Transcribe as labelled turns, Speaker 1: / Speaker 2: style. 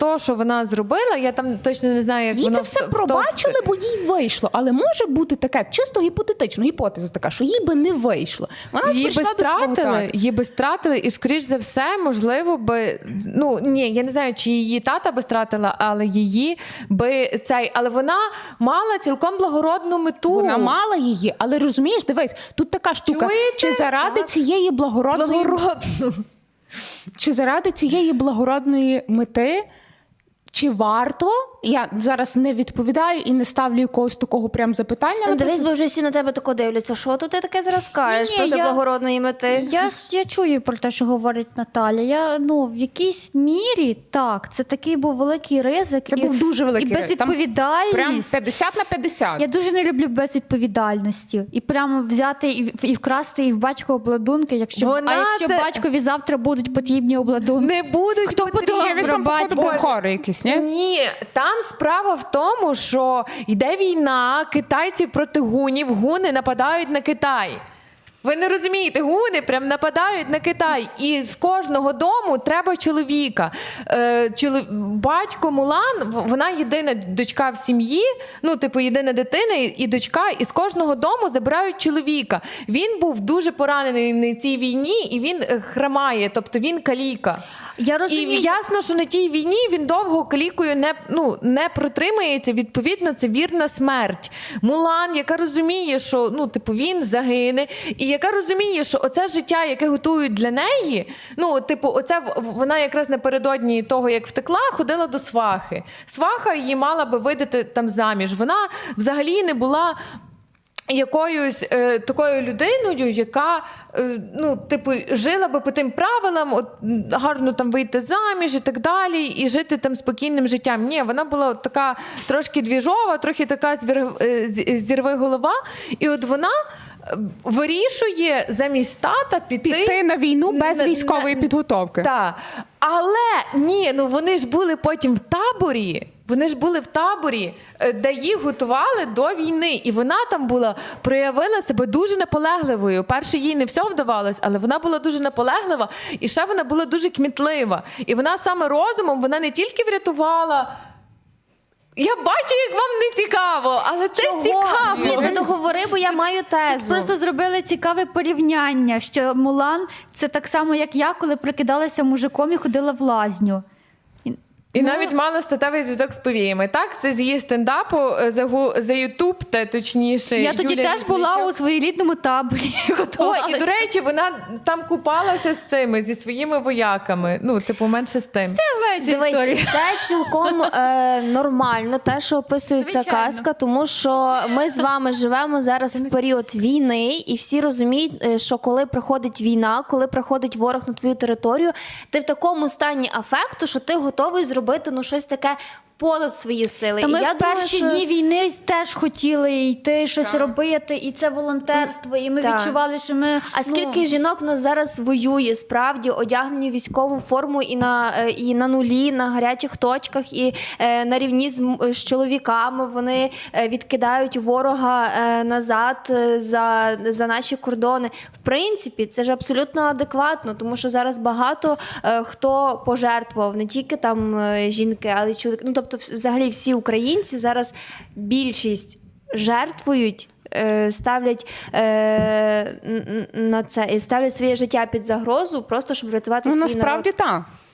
Speaker 1: то, що вона зробила, я там точно не знаю, як
Speaker 2: Їй
Speaker 1: воно
Speaker 2: це все пробачили, бо їй вийшло. Але може бути таке, чисто гіпотетично, гіпотеза така, що їй би не вийшло. Вона
Speaker 1: її би
Speaker 2: прийшла до свого
Speaker 1: стратили,
Speaker 2: тата.
Speaker 1: її би стратили, і, скоріш за все, можливо, би, ну, ні, я не знаю, чи її тата би стратила, але її би цей, але вона мала цілком благородну мету.
Speaker 2: Вона мала її, але розумієш, дивись, тут така штука,
Speaker 1: Чуєте?
Speaker 2: чи заради цієї благородної Чи заради цієї благородної мети, чи варто, я зараз не відповідаю і не ставлю якогось такого прям запитання.
Speaker 3: Ну, дивись, бо вже всі на тебе тако дивляться. Що тут ти таке зараз кажеш
Speaker 4: Ні,
Speaker 3: проти
Speaker 4: я-
Speaker 3: благородної мети?
Speaker 4: Я чую про те, що говорить Наталя. В якійсь мірі, так, це такий був великий ризик.
Speaker 2: Це був дуже великий
Speaker 4: і
Speaker 2: ризик. Там
Speaker 4: безвідповідальність.
Speaker 2: Прям 50 на 50.
Speaker 4: Я дуже не люблю безвідповідальності. І прямо взяти і вкрасти і в батька обладунки, якщо батькові завтра будуть потрібні обладунки.
Speaker 1: Не будуть
Speaker 4: Хто
Speaker 1: потрібні.
Speaker 4: подумав
Speaker 2: Він там,
Speaker 4: батько?
Speaker 2: походу, був хори якісь, ні?
Speaker 1: Ні, там справа в тому, що йде війна, китайці проти гунів, гуни нападають на Китай. Ви не розумієте, гуни прям нападають на Китай. І з кожного дому треба чоловіка. Батько Мулан, вона єдина дочка в сім'ї, ну, типу, єдина дитина і дочка, і з кожного дому забирають чоловіка. Він був дуже поранений на цій війні, і він хромає, тобто він каліка.
Speaker 4: Я
Speaker 1: І
Speaker 4: розумію.
Speaker 1: ясно, що на тій війні він довго калікою не протримається, відповідно, це вірна смерть. Мулан, яка розуміє, що він загине, і яка розуміє, що оце життя, яке готують для неї, вона якраз напередодні того, як втекла, ходила до свахи. Сваха її мала би видати там заміж. Вона взагалі не була якоюсь такою людиною, яка жила би по тим правилам, гарно там вийти заміж і так далі, і жити там спокійним життям. Ні, вона була така трошки двіжова, трохи така зірви голова, і от вона вирішує замість тата піти
Speaker 2: на війну без військової підготовки.
Speaker 1: Так. Але ні, вони ж були потім в таборі. Вони ж були в таборі, де їх готували до війни. І вона там проявила себе дуже наполегливою. Перше, їй не все вдавалось, але вона була дуже наполеглива. І ще вона була дуже кмітлива. І вона саме розумом, вона не тільки врятувала... Я бачу, як вам не цікаво, але це цікаво.
Speaker 3: Ні, ти договори, бо я маю тезу.
Speaker 4: Просто зробили цікаве порівняння, що Мулан – це так само, як я, коли прикидалася мужиком і ходила в лазню.
Speaker 1: І навіть мала статевий зв'язок з повіями. Так, це з її стендапу за Ютуб, точніше.
Speaker 4: Я тоді
Speaker 1: Юлія
Speaker 4: теж була
Speaker 1: Літвінчук.
Speaker 4: у своєрідному таборі.
Speaker 1: Ой, і, до речі, вона там купалася зі своїми вояками. Менше з тим.
Speaker 4: Я знаю цю
Speaker 3: Дивись,
Speaker 4: історію.
Speaker 3: це цілком нормально, те, що описує ця
Speaker 4: Звичайно.
Speaker 3: казка, тому що ми з вами живемо зараз в період війни, і всі розуміють, що коли приходить війна, коли приходить ворог на твою територію, ти в такому стані афекту, що ти готовий зробити щось таке понад свої сили.
Speaker 4: Та ми
Speaker 3: І я
Speaker 4: в перші
Speaker 3: думаю,
Speaker 4: дні війни теж хотіли йти, щось робити, і це волонтерство, і ми
Speaker 3: Так.
Speaker 4: відчували, що ми...
Speaker 3: А скільки жінок у нас зараз воює, справді, одягнені в військову форму і на нулі, на гарячих точках, і на рівні з чоловіками вони відкидають ворога назад за наші кордони. В принципі, це ж абсолютно адекватно, тому що зараз багато хто пожертвував, не тільки там жінки, але й чоловіки. Тобто, взагалі, всі українці зараз більшість жертвують, ставлять на це і ставлять своє життя під загрозу, просто щоб врятувати свій народ.
Speaker 2: Насправді так.